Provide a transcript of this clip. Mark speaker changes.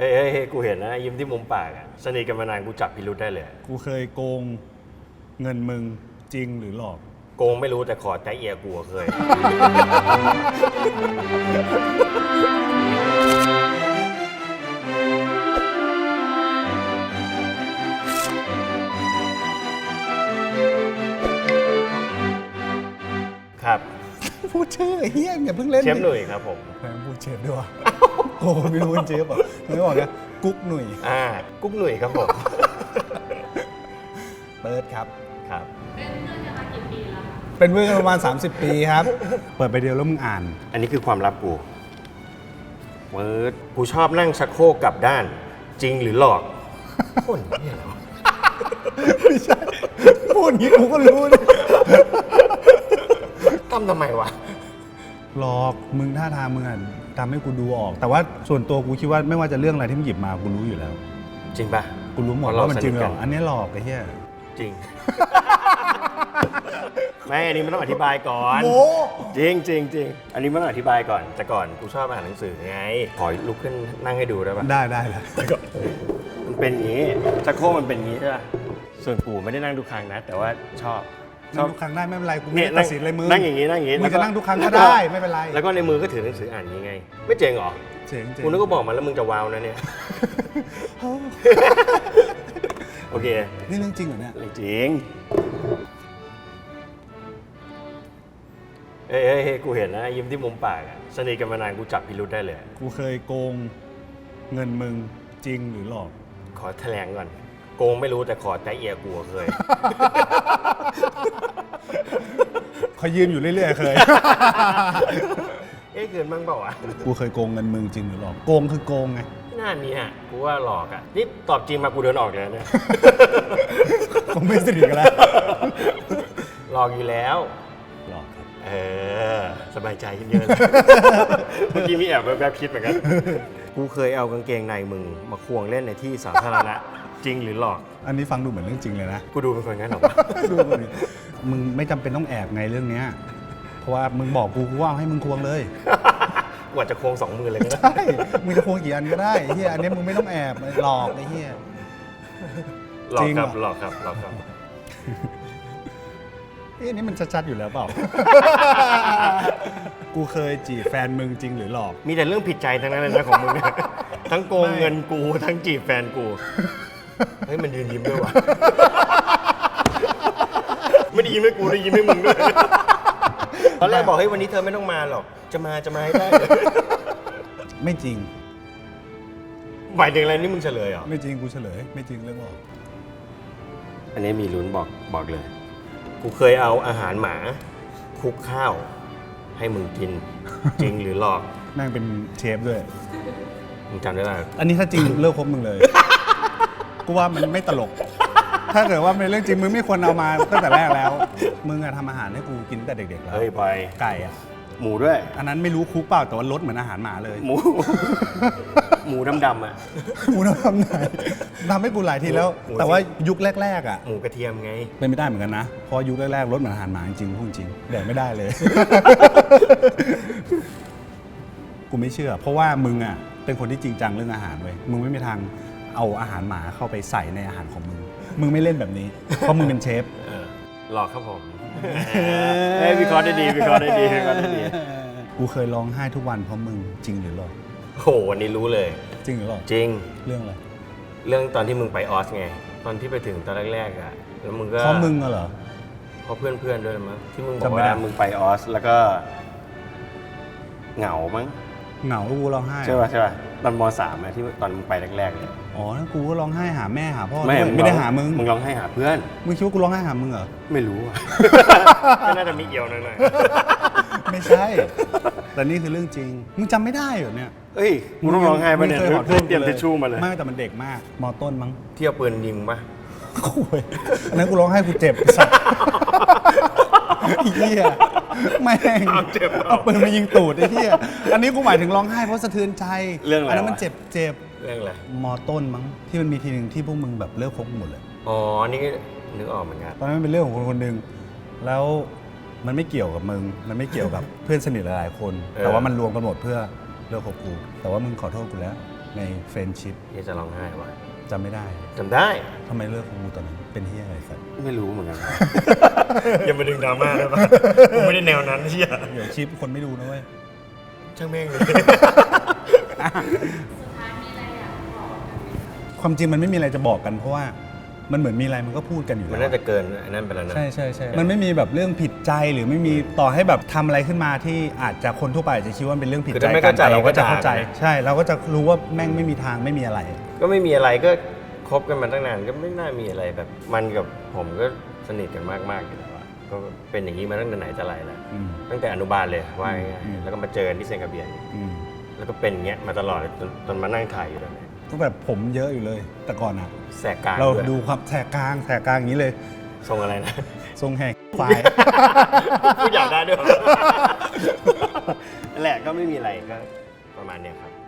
Speaker 1: เฮ้ยกูเห็นนะยิ้มที่มุมปากอะสนิทกันมานานกูจับพิรุธได้เลย
Speaker 2: กูเคยโกงเงินมึงจริงหรือหลอก
Speaker 1: โกงไม่รู้แต่ขอใจเอียกูเคย ครับ
Speaker 2: พูดชื่อไอ้เฮี้ยอย่าเพิ่งเล่น
Speaker 1: เชฟหนุ่ยครับผม
Speaker 2: แม่งพูดเชฟด้วยวะโอ้ไม่รู้เป็นเชฟเหรอไม่บอกนะกุ๊กหนุ่ย
Speaker 1: กุ๊กหนุ่ยครับผม
Speaker 2: เปิดครับ
Speaker 1: ครับ
Speaker 2: เป็นเพื่อนกันประมาณ 30 ปีครับ เปิดไปเดียวแล้วมึงอ่าน
Speaker 1: อันนี้คือความลับกูกูชอบนั่งชักโครกกลับด้าน จริงหรือหลอกคนเนี่ยเหรอ
Speaker 2: ไม่ใช่ พูดอย่างนี้กูก็รู้ดิ
Speaker 1: ทำไมวะ
Speaker 2: หลอกมึงท่าทางมึงอ่ะทำให้กูดูออก แต่ว่าส่วนตัวกูคิดว่าไม่ว่าจะเรื่องอะไรที่มึงหยิบมากูรู้อยู่แล้ว
Speaker 1: จริงปะ
Speaker 2: กูรู้หมดว่ามันจริงหรอกอันนี้หลอกไอ้เหี้ย
Speaker 1: จริง ไม่อันนี้มันต้องอธิบายก่อน
Speaker 2: โม
Speaker 1: จริงจริงจริงอันนี้มันต้องอธิบายก่อนแต่ก่อนกูชอบอ่านหนังสือไงขอลุกขึ้นนั่งให้ดูได้ปะ
Speaker 2: ได้เลย
Speaker 1: มันเป็นอย่างนี้ชักโครกมันเป็นอย่างนี้ใช่ปะส่วนกูไม่ได้นั่งทุกครั้งนะ แต่ว่าชอบ
Speaker 2: นั่งทุกครั้งได้ไม่เป็นไรกูไม่
Speaker 1: เนี่ย
Speaker 2: ได้ตัดสินเลยมึง
Speaker 1: นั่งอย่างนี้นั่งอย่างนี้
Speaker 2: มึงจะนั่งทุกครั้งก็ได้ไม่เป็นไร
Speaker 1: แล้วก็ในมือก็ถือหนังสืออ่านอย่างนี้ไง ไม่เจ๋งเหรอ
Speaker 2: เจ๋ง
Speaker 1: กูนึกว่าบอกมาแล้วมึงจะว้าวนะเนี่ย โอเค
Speaker 2: นี่เรื่องจริงเหรอเนี่ย
Speaker 1: จริงเฮ้ยกูเห็นนะยิ้มที่มุมปากอะสนิทกันมานานกูจับพิรุธได้เลย
Speaker 2: กูเคยโกงเงินมึงจริงหรือหลอก
Speaker 1: ขอแถลงก่อน โกงไม่รู้แต่ขอใจเอียกูเคย
Speaker 2: เขายืนอยู่เรื่อยๆเคย
Speaker 1: เกินบ้างเปล่าวะ
Speaker 2: กูเคยโกงเงินมึงจริงหรือหลอกโกงคือโกงไง
Speaker 1: หน้านี้ฮะกูว่าหลอกอะนี่ตอบจริงมากูเดินออกเลยเนี่ย
Speaker 2: คงไม่สนิทกันแล้ว
Speaker 1: หลอกอยู่แล้ว
Speaker 2: หลอกครับ
Speaker 1: สบายใจขึ้นเยอะเลย เมื่อกี้มีแอบแบบคิดเหมือนกัน กูเคยเอากางเกงในมึงมาควงเล่นในที่สาธารณะ จริงหรือหลอก
Speaker 2: อันนี้ฟังดูเหมือนเรื่องจริงเลยนะ
Speaker 1: กูดูเป็นคนงั้นเหรอวะ
Speaker 2: ดูก่อนดิมึงไม่จำเป็นต้องแอบไงเรื่องเนี้ยเพราะว่ามึงบอกกูว่าเอาให้มึงควงเลย
Speaker 1: กว่าจะควง2 มือเลยก็ได้
Speaker 2: ใช่มึงจะควงกี่อันก็ได้ไอ้เฮียอันนี้มึงไม่ต้องแอบหลอกไอ้เฮีย
Speaker 1: หลอก
Speaker 2: จริง
Speaker 1: ครับ
Speaker 2: เหรอ
Speaker 1: หลอกครับหลอกครับ
Speaker 2: อันนี้มันชัดๆอยู่แล้วเปล่า กูเคยจีบแฟนมึงจริงหรือหลอก
Speaker 1: มีแต่เรื่องผิดใจทั้งนั้นเลยนะของมึงเนี่ย ทั้งโกงเงินกูทั้งจีบแฟนกู เฮ้ยมันยืนยิ้มด้วยวะ ไม่ได้ยิ้มให้กูได้ยิ้มให้มึงด้วย ตอนแรกบอกเฮ้ยวันนี้เธอไม่ต้องมาหรอก จะมาให้ได้
Speaker 2: ไม่จริง
Speaker 1: หมายถึงอะไรนี่มึงเฉลยเหรอ
Speaker 2: ไม่จริงกูเฉลย ไม่จริงเรื่องหลอก
Speaker 1: อันนี้มีลุ้นบอกเลย กูเคยเอาอาหารหมาคลุกข้าว ให้มึงกิน จริงหรือหลอก
Speaker 2: แม่งเป็นเชฟด้วย
Speaker 1: มึงจำได้ไหม
Speaker 2: อันนี้ถ้าจริงเลิกคบมึงเลย กูว่ามันไม่ตลก ถ้าเกิดว่าเป็นเรื่องจริงมึงไม่ควรเอามาตั้งแต่แรกแล้ว มึงอะทำอาหารให้กูกินตั้งแต่เด็กๆแล้ว
Speaker 1: เฮ้ยบอย
Speaker 2: ไก่อะ
Speaker 1: หมูด้วย
Speaker 2: อันนั้นไม่รู้คุกเปล่าแต่ว่ารสเหมือนอาหารหมาเลย
Speaker 1: หมู หมูดำๆอ่ะ
Speaker 2: หมูน้ำทำไหนทำให้กูหลายทีแล้ว
Speaker 1: หมู
Speaker 2: แต่ว่ายุคแรกๆอ่ะ
Speaker 1: หมูกระเทียมไง
Speaker 2: เป็นไม่ได้เหมือนกันนะเพราะยุคแรกๆรสเหมือนอาหารหมาจริงๆพูดจริงแดกไม่ได้เลย กูไม่เชื่อ เพราะว่ามึงอ่ะเป็นคนที่จริงจังเรื่องอาหารเว้ยมึงไม่มีทางเอาอาหารหมาเข้าไปใส่ในอาหารของมึงมึงไม่เล่นแบบนี้ เพราะมึงเป็นเชฟ
Speaker 1: หลอกครับผม เฮ้ยวิเคราะห์ได้ดีวิเคราะห์ได้ดีวิเคราะห์ได้ดี
Speaker 2: กูเคยร้องไห้ทุกวันเพราะมึงจริงหรือหลอก
Speaker 1: โหวันนี้รู้เลย
Speaker 2: จริงหรือหลอก
Speaker 1: จริง
Speaker 2: เรื่องอะไร
Speaker 1: เรื่องตอนที่มึงไปออสไง ตอนที่ไปถึงตอนแรกๆอ่ะ แล้วมึงก็
Speaker 2: เพราะมึงเหรอ
Speaker 1: เพราะเพื่อนๆด้วยมั้งที่มึงบอก
Speaker 2: จำไม่ได้
Speaker 1: ว่ามึงไปออสแล้วก็เหงามั้ง
Speaker 2: เหงากูร้องไห้
Speaker 1: ใช่ป่ะตอนม.3อะที่ตอนมึงไปแรกๆเลย
Speaker 2: อ๋อนั่นกูก็ร้องไห้หาแม่หาพ่อด้วยไม่ได้หามึง
Speaker 1: มึงร้องให้หาเพื่อน
Speaker 2: มึงคิดว่ากูร้องไห้หามึงเหรอ
Speaker 1: ไม่รู้อ่ะ ก็น่าจะมีเอี่ยวหน่อย
Speaker 2: ไม่ใช่ แต่นี่คือเรื่องจริง มึงจำไม่ได้เหรอเนี่ย
Speaker 1: ๆเอ้ยมึงต้องร้องไห้ป่ะเนี่ย
Speaker 2: งคขอโทษ
Speaker 1: เตรียมทิชชู่มาเลย
Speaker 2: ไม่แต่มันเด็กมาก มอต้นมั้ง
Speaker 1: เที่ยวปืนยิงป่ะ
Speaker 2: โอ้ยอันนั้นกูร้องไห้กูเจ็บสัตว์ไอ้เหี้ยแม่ง
Speaker 1: เจ็บเหรอ
Speaker 2: เอาปืนมายิงตูดไอ้เหี้ยอันนี้กูหมายถึงร้องไห้เพราะสะเทือนใจ
Speaker 1: เรื่องอะไร
Speaker 2: นนั้นมัน
Speaker 1: วะ
Speaker 2: เจ็บ
Speaker 1: เรื่องอะไร
Speaker 2: มอต้นมั้งที่มันมีทีหนึ่งที่พวกมึงแบบเลิกคบกันหมดเลย
Speaker 1: อ๋อ นี่ก็นึกออกเหมือนกัน
Speaker 2: ตอนนั้นมันเป็นเรื่องของคนคนหนึ่งแล้วมันไม่เกี่ยวกับมึง มันไม่เกี่ยวกับ เพื่อนสนิทหลายๆคน แต่ว่ามันรวมกันหมดเพื่อเลิกคบกู แต่ว่ามึงขอโทษกูแล้วในเฟรนชิพ
Speaker 1: นี่จะร้องไห้ว่ะ
Speaker 2: จำไม่ได้
Speaker 1: จำได้
Speaker 2: ทำไมเลิกกับกูตอนนั้นเป็นที่อะไรสัตว์
Speaker 1: ไม่รู้เหมือนกัน อย่ามาดึงดราม่าได้ปะกูไม่ได้แนวนั้นเชี่ย
Speaker 2: เดี๋ยวชิปคนไม่ดูนะเว้ย
Speaker 1: ช่างแม่งเลย
Speaker 2: ความจริงมันไม่มีอะไรจะบอกกันเพราะว่ามันเหมือนมีอะไรมันก็พูดกันอยู่
Speaker 1: มัน
Speaker 2: แล้ว
Speaker 1: น่าจะเกินอันนั้นไปแล้วนะ
Speaker 2: ใช่ใช่ใช่มันไม่มีแบบเรื่องผิดใจหรือไม่มีต่อให้แบบทำอะไรขึ้นมาที่อาจจะคนทั่วไปอาจจะคิดว่าเป็นเรื่องผิด
Speaker 1: คือ
Speaker 2: ใจ
Speaker 1: ถ้าไม่
Speaker 2: กั
Speaker 1: เข้าน ใจ
Speaker 2: แต่เราก็จะ
Speaker 1: ก็ด่า
Speaker 2: เข้าใจ
Speaker 1: กัน
Speaker 2: ใช่เราก็จะรู้ว่าแม่งไม่มีทางไม่มีอะไร
Speaker 1: ก็ไม่มีอะไรก็คบกันมาตั้งนานก็ไม่น่ามีอะไรแบบมันกับผมก็สนิทกันมากๆอยู่แล้วอะก็เป็นอย่างนี้มาตั้งแต่ไหนแต่ไรแล้ว
Speaker 2: อืม
Speaker 1: ตั้งแต่อนุบาลเลยว่าง่าย
Speaker 2: อืม
Speaker 1: ๆแล้วก็มาเจอกันที่เซนกาเบียน
Speaker 2: อืม
Speaker 1: แล้วก็เป็นอย่างเงี้ยมาตลอดจนมานั่งถ่ายอยู่ตอนนี้
Speaker 2: ก็แบบผมเยอะอยู่เลย แต่ก่อนอ่ะ
Speaker 1: แสกกลาง
Speaker 2: เรา
Speaker 1: ด้วย
Speaker 2: ดูความแสกกลางอย่างนี้เลย
Speaker 1: ทรงอะไรนะ
Speaker 2: ทรงแหกควาย
Speaker 1: พูดอยากได้ด้วย นั่นแหละก็ไม่มีอะไรก็ประมาณเนี้ยครับ